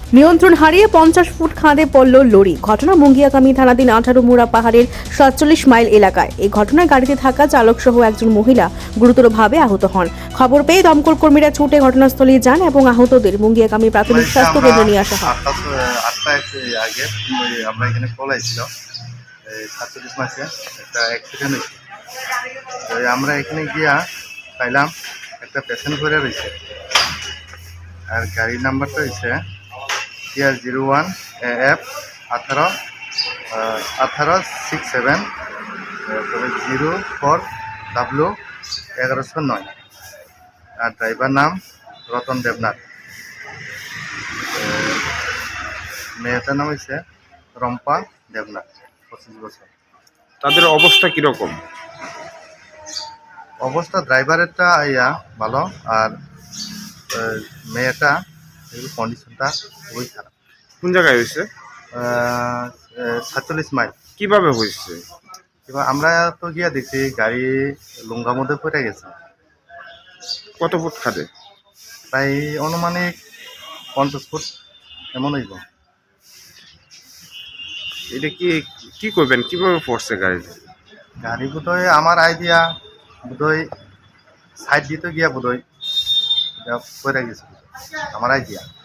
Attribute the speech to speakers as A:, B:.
A: নিয়ন্ত্রণ হারিয়ে 50 ফুট খাদে পড়ল লরি। ঘটনা মুঙ্গিয়াকামী থানাধীন 18 মুড়া পাহাড়ের 47 মাইল এলাকায়। এই ঘটনায় গাড়িতে থাকা চালক সহ একজন মহিলা গুরুতরভাবে আহত হন। খবর পেয়ে দমকল কর্মীরা ছুটে ঘটনাস্থলে যান এবং আহতদের মুঙ্গিয়াকামী প্রাথমিক স্বাস্থ্য কেন্দ্রে নিয়ে আসা হয়।
B: আটটা আগে আমরা এখানে কল আইছিল 47 মাসে একটা অ্যাক্সিডেন্ট হয়েছে। আমরা এখানে গিয়া পাইলাম একটা পেশেন্ট করে রয়েছে, আর গাড়ির নাম্বারটা হয়েছে TR01 AF 1867 04W 1109, আর ড্রাইভার নাম রতন দেবনাথ। মেয়েটার নাম হয়েছে রম্পা দেবনাথ, 25 বছর।
C: তাদের অবস্থা কিরকম?
B: অবস্থা ড্রাইভারেরটা ভালো, আর মেয়েটা কন্ডিশনটা খুবই খারাপ।
C: কোন জায়গায় হয়েছে?
B: 47 মাইল।
C: কিভাবে হয়েছে?
B: এবার আমরা তো গিয়া দেখছি গাড়ি লুঙ্গার মধ্যে পড়ে গেছে।
C: কত ফুট খাদে?
B: প্রায় অনুমানিক 50 ফুট এমন হইব।
C: এটা কি করবেন, কিভাবে পড়ছে
B: গাড়ি বোধহয় আমার আইডিয়া বোধহয় সাইড দিতে গিয়া বোধহয় পড়ে গেছে, আমার আইডিয়া।